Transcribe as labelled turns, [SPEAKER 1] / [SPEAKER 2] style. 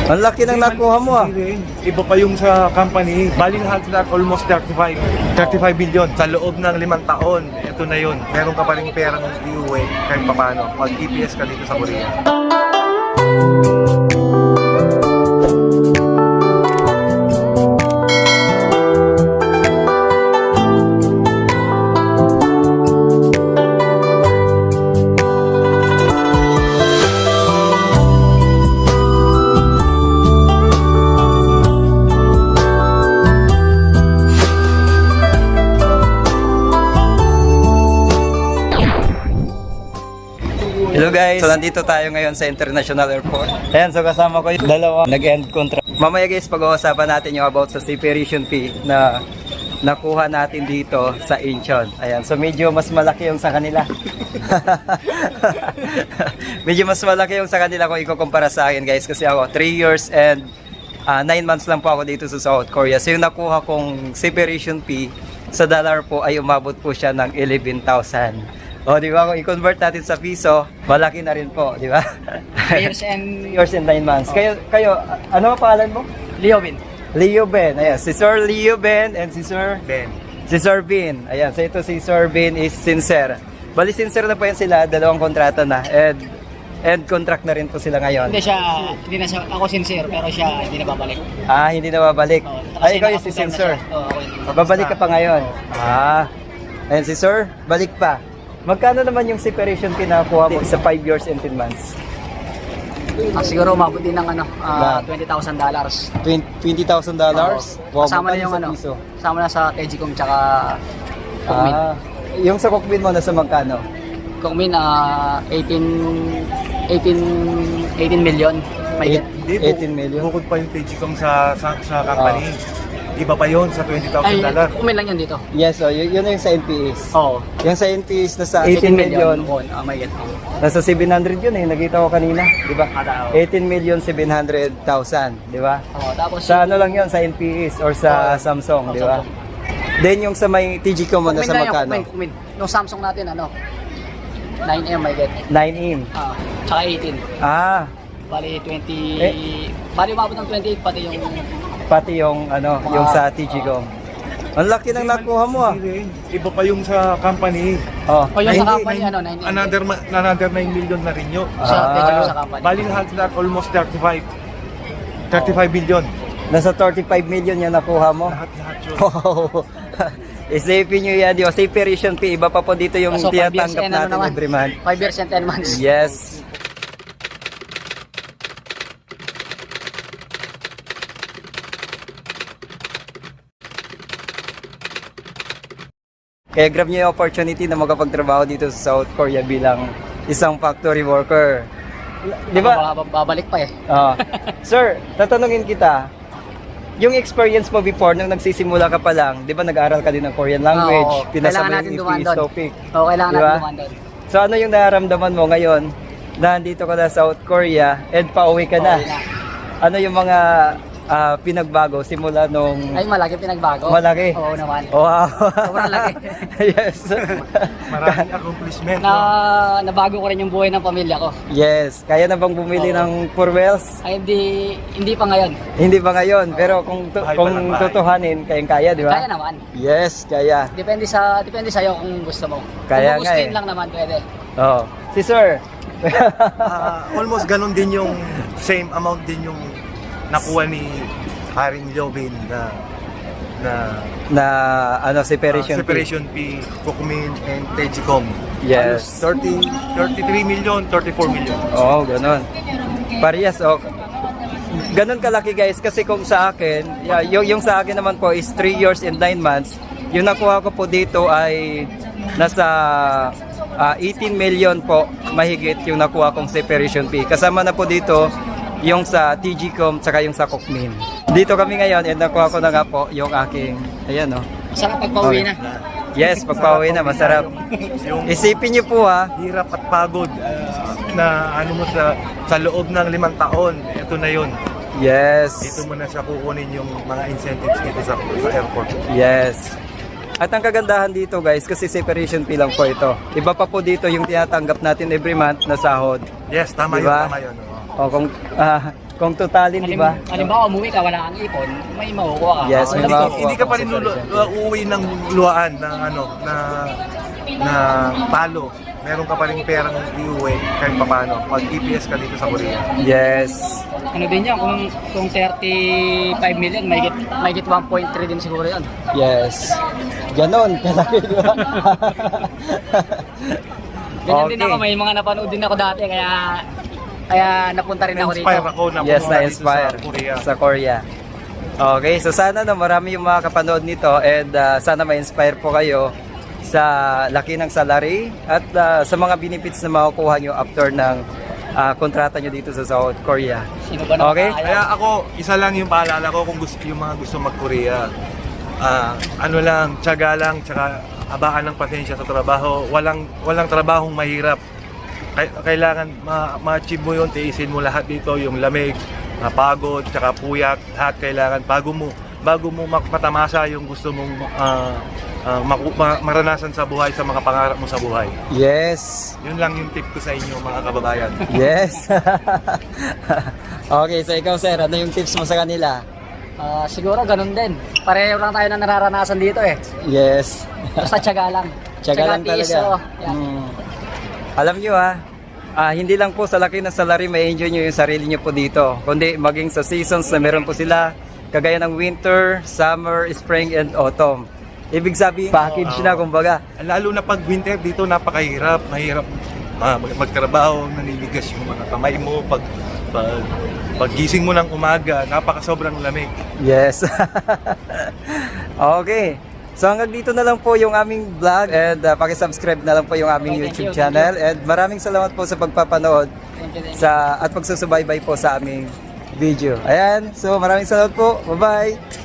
[SPEAKER 1] Ang laki ng nakuha mo ah.
[SPEAKER 2] Iba pa yung sa company. Bali lahat sila almost 35 billion. Sa loob ng 5 taon, ito na yun. Meron ka pa rin perang iuwi kahit paano. Pag EPS ka dito sa Korea.
[SPEAKER 1] Hello guys! So nandito tayo ngayon sa International Airport. Ayan, so kasama ko yung dalawa nag-end contract. Mamaya guys, pag-uusapan natin yung about sa separation fee na nakuha natin dito sa Incheon. Ayan, so medyo mas malaki yung sa kanila. Medyo mas malaki yung sa kanila kung ikukumpara sa akin guys. Kasi ako, 3 years and 9 months lang po ako dito sa South Korea. So yung nakuha kong separation fee sa dollar po ay umabot po siya ng 11,000. O, di ba? Kung i-convert natin sa piso, malaki na rin po, di ba?
[SPEAKER 3] 3 years and
[SPEAKER 1] 9 months. Kayo, ano ang pangalan mo?
[SPEAKER 3] Leo Bin.
[SPEAKER 1] Leo Ben. Ayan, si Sir Leo Ben and si Sir
[SPEAKER 2] Ben.
[SPEAKER 1] Si Sir Bin. Ayan, so ito si Sir Bin is sincere. Bali, sincere na po yan sila, dalawang kontrata na. And contract na rin po sila ngayon.
[SPEAKER 3] Hindi na siya, ako sincere, pero siya hindi na babalik.
[SPEAKER 1] Ah, hindi na babalik. Ay, ikaw yung si sincere. Babalik ka pa ngayon. Ah, and si Sir, balik pa. Magkano naman yung separation fee na nakuha mo sa 5 years and 10 months?
[SPEAKER 3] Siguro umabot din ng $20,000.
[SPEAKER 1] $20,000? Wow,
[SPEAKER 3] Kasama na yung
[SPEAKER 1] piso?
[SPEAKER 3] kasama na sa Tegicom tsaka Kongmin.
[SPEAKER 1] Yung sa Kongmin mo nasa magkano?
[SPEAKER 3] Kongmin 18 million. May
[SPEAKER 1] 18 million?
[SPEAKER 2] Bukod pa yung Tegicom sa company. Iba pa yun sa $20,000.
[SPEAKER 3] Kongmin lang yun dito.
[SPEAKER 1] Yes, so yun yung sa NPS.
[SPEAKER 3] Oo.
[SPEAKER 1] Yung sa NPS nasa 18 million.
[SPEAKER 3] May get.
[SPEAKER 1] Nasa 700 yun eh, nakita ko kanina, di ba? 18,700,000, di ba?
[SPEAKER 3] Tapos
[SPEAKER 1] Sa ano lang yun, sa NPS or sa Samsung, di ba? Then yung sa may TGCom mo nasa magkano?
[SPEAKER 3] Kongmin. Yung Samsung natin 9M may get.
[SPEAKER 1] 9M.
[SPEAKER 3] Tsaka 18.
[SPEAKER 1] Ah,
[SPEAKER 3] Bali 20. Bali umabot ng 28
[SPEAKER 1] pati yung ano, yung sa TGCom. Ang laki ng nakuha mo ah.
[SPEAKER 2] Iba pa yung sa company.
[SPEAKER 1] Oh.
[SPEAKER 3] O yung sa
[SPEAKER 2] Hindi,
[SPEAKER 3] company, 9M.
[SPEAKER 2] Another 9 million na rin yun.
[SPEAKER 3] Sa company.
[SPEAKER 2] Bali lahat sila almost 35 billion.
[SPEAKER 1] Nasa 35 million yung nakuha mo.
[SPEAKER 2] Lahat yun.
[SPEAKER 1] Wow. Isipin nyo yan, yung separation fee, iba pa po dito yung
[SPEAKER 3] So, 5 years
[SPEAKER 1] tinatanggap
[SPEAKER 3] and
[SPEAKER 1] natin
[SPEAKER 3] naman?
[SPEAKER 1] every month.
[SPEAKER 3] 5 years and 10 months.
[SPEAKER 1] Yes. Kaya grab nyo yung opportunity na makapagtrabaho dito sa South Korea bilang isang factory worker. Di ba?
[SPEAKER 3] Babalik pa eh.
[SPEAKER 1] Sir, tatanungin kita, yung experience mo before, nung nagsisimula ka pa lang, di ba nag-aaral ka din ng Korean language, pinasabay yung EPS topic.
[SPEAKER 3] Oo, kailangan
[SPEAKER 1] Diba?
[SPEAKER 3] natin dumaan doon.
[SPEAKER 1] So ano yung nararamdaman mo ngayon na nandito ka na sa South Korea and pauwi ka na?
[SPEAKER 3] Pauwi na.
[SPEAKER 1] Ano yung mga pinagbago simula nung...
[SPEAKER 3] Ay, malaki pinagbago.
[SPEAKER 1] Malaki?
[SPEAKER 3] Oo naman.
[SPEAKER 1] Wow!
[SPEAKER 3] Sobrang laki.
[SPEAKER 1] Yes.
[SPEAKER 2] Maraming accomplishment.
[SPEAKER 3] Nabago ko rin yung buhay ng pamilya ko.
[SPEAKER 1] Yes. Kaya na bang bumili ng Purwells?
[SPEAKER 3] Ay, hindi pa ngayon.
[SPEAKER 1] Hindi ba ngayon? Pero kung tutuhanin, kayang-kaya, di ba?
[SPEAKER 3] Kaya naman.
[SPEAKER 1] Yes, kaya.
[SPEAKER 3] Depende sa'yo kung gusto mo.
[SPEAKER 1] Kaya
[SPEAKER 3] kung
[SPEAKER 1] nga
[SPEAKER 3] gugustuhin
[SPEAKER 1] eh.
[SPEAKER 3] lang naman, pwede.
[SPEAKER 1] Oh. Si Sir.
[SPEAKER 2] Almost ganun din yung same amount din yung nakuha ni Haring Jobin na
[SPEAKER 1] ano, separation
[SPEAKER 2] fee, Kukmin and Tegicom.
[SPEAKER 1] Yes.
[SPEAKER 2] 33 million, 34 million.
[SPEAKER 1] Oo, ganun. Parehas, oh. Ganun kalaki guys, kasi kung sa akin, yung sa akin naman po is 3 years and 9 months. Yung nakuha ko po dito ay nasa 18 million po mahigit yung nakuha kong separation fee. Kasama na po dito yung sa TGCom tsaka yung sa Kukmin. Dito kami ngayon and nakuha ko na nga po yung aking, ayan o.
[SPEAKER 3] Masarap pagpauwi na.
[SPEAKER 1] Yes, pagpauwi na, masarap. Isipin niyo po ha.
[SPEAKER 2] Hirap at pagod na ano mo sa loob ng 5 taon, ito na yun.
[SPEAKER 1] Yes.
[SPEAKER 2] Dito mo na siya kukunin yung mga incentives dito sa airport.
[SPEAKER 1] Yes. At ang kagandahan dito guys, kasi separation fee lang po ito. Iba pa po dito yung tinatanggap natin every month na sahod.
[SPEAKER 2] Yes, tama
[SPEAKER 1] Diba?
[SPEAKER 2] yun, tama yun.
[SPEAKER 1] O kung Kung totalin, di ba?
[SPEAKER 3] Halimbawa, umuwi ka, wala kang ipon, may makukuha ka.
[SPEAKER 1] Yes, may
[SPEAKER 2] Hindi,
[SPEAKER 1] makukuha
[SPEAKER 2] hindi ka
[SPEAKER 1] ka
[SPEAKER 2] pa rin
[SPEAKER 1] sa
[SPEAKER 2] uuwi ng luwaan ng na palo. Meron ka pa rin perang iuwi kahit paano pag EPS ka dito sa Korea.
[SPEAKER 1] Yes.
[SPEAKER 3] Ano din yan, kung 35 million, may get 1.3 din siguro yan.
[SPEAKER 1] Yes. Ganon, kalaki, di ba?
[SPEAKER 3] Ganyan din ako, may mga napanood din ako dati, kaya napunta rin ako dito.
[SPEAKER 2] Na-inspire ako na
[SPEAKER 1] Yes,
[SPEAKER 2] pumunta dito
[SPEAKER 1] na-inspire
[SPEAKER 2] sa Korea.
[SPEAKER 1] sa Korea. Okay, so sana marami yung mga kapanood nito and sana ma-inspire po kayo sa laki ng salary at sa mga benefits na makukuha nyo after ng kontrata nyo dito sa South Korea.
[SPEAKER 3] Sino ba naman
[SPEAKER 1] Okay?
[SPEAKER 3] kaya?
[SPEAKER 2] Kaya ako, isa lang yung paalala ko kung yung mga gusto mag-Korea. Ano lang, tiyaga lang, tsaka abaan ng pasensya sa trabaho. Walang trabahong mahirap. Kailangan ma-achieve mo yun, tiisin mo lahat dito, yung lamig, pagod, tsaka puyat, lahat kailangan bago mo matamasa yung gusto mong maranasan sa buhay, sa mga pangarap mo sa buhay.
[SPEAKER 1] Yes.
[SPEAKER 2] Yun lang yung tip ko sa inyo mga kababayan.
[SPEAKER 1] Yes. Okay, so ikaw sir, ano yung tips mo sa kanila?
[SPEAKER 3] Siguro ganun din. Pareho lang tayo na nararanasan dito eh.
[SPEAKER 1] Yes.
[SPEAKER 3] Basta tiyaga lang.
[SPEAKER 1] Tiyaga lang
[SPEAKER 3] tiis,
[SPEAKER 1] talaga.
[SPEAKER 3] oo. Yan.
[SPEAKER 1] Alam nyo hindi lang po sa laki ng salary may enjoy nyo yung sarili nyo po dito. Kundi maging sa seasons na meron po sila, kagaya ng winter, summer, spring, and autumn. Ibig sabihin, package na kumbaga.
[SPEAKER 2] Lalo na pag winter dito, napakahirap. Mahirap magtrabaho, naniligas yung mga kamay mo. Pag gising mo ng umaga, napakasobrang lamig.
[SPEAKER 1] Yes. Okay. So hanggang dito na lang po yung aming vlog and paki-subscribe na lang po yung aming
[SPEAKER 3] Okay,
[SPEAKER 1] YouTube
[SPEAKER 3] thank you.
[SPEAKER 1] channel and maraming salamat po sa pagpapanood
[SPEAKER 3] Thank you.
[SPEAKER 1] at pagsusubaybay po sa aming video. Ayan, so maraming salamat po. Bye-bye.